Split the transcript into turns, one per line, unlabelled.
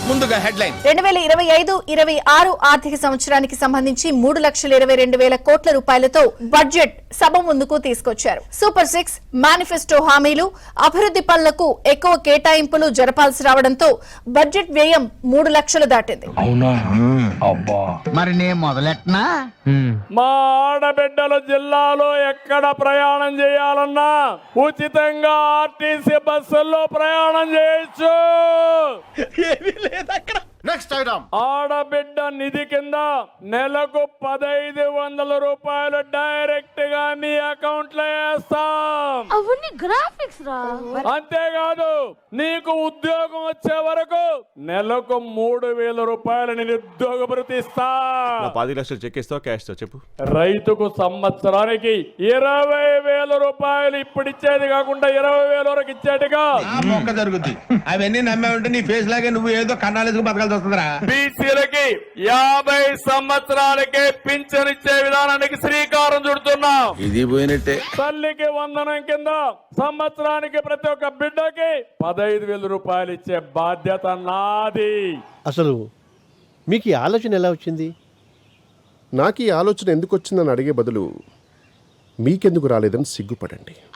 ముందుగా హెడ్లైన్
2025-26 ఆర్థిక సంవత్సరానికి సంబంధించి 3,22,000 కోట్ల రూపాయలతో బడ్జెట్ సభ ముందుకు తీసుకొచ్చారు. సూపర్ 6 మేనిఫెస్టో హామీలు, అభివృద్ధి పనులకు ఎక్కువ కేటాయింపులు జరపాల్సి రావడంతో బడ్జెట్ వ్యయం 3 లక్షలు దాటింది.
మరి నేను మొదలెట్టనా?
మా ఆడబిడ్డలు జిల్లాలో ఎక్కడ ప్రయాణం చేయాలన్నా ఉచితంగా ఆర్టీసీ బస్సుల్లో ప్రయాణం చేయొచ్చు.
నెక్స్ట్ ఐటమ్
ఆడబిడ్డ నిధి కింద నెలకు 1,500 రూపాయలు డైరెక్ట్ గా మీ అకౌంట్ లో వేస్తాం.
అవన్నీ గ్రాఫిక్స్ రా.
అంతేకాదు నీకు ఉద్యోగం వచ్చే వరకు నెలకు 3,000 రూపాయలు నిరుద్యోగ భృతి ఇస్తా.
10 లక్షలు చెక్ ఇస్తావు, క్యాష్ తో చెప్పు.
రైతుకు సంవత్సరానికి 20,000 రూపాయలు ఇప్పుడు ఇచ్చేది కాకుండా 20,000 వరకు ఇచ్చేట్టుగా
జరుగుద్ది. అవన్నీ నమ్మే ఉంటే నీ ఫేస్ లాగే నువ్వు ఏదో కన్నాలేసుకు బతకాల్సి వస్తుందిరా.
బీసీలకి 50 సంవత్సరాలకే పింఛన్ ఇచ్చే విధానానికి శ్రీకారం చుడుతున్నాం.
ఇది పోయినట్టే.
తల్లికి వందనం కింద సంవత్సరానికి ప్రతి ఒక్క బిడ్డకి 15,000 రూపాయలు ఇచ్చే బాధ్యత నాది.
అసలు మీకు ఈ ఆలోచన ఎలా వచ్చింది?
నాకు ఈ ఆలోచన ఎందుకు వచ్చిందని అడిగే బదులు మీకెందుకు రాలేదని సిగ్గుపడండి.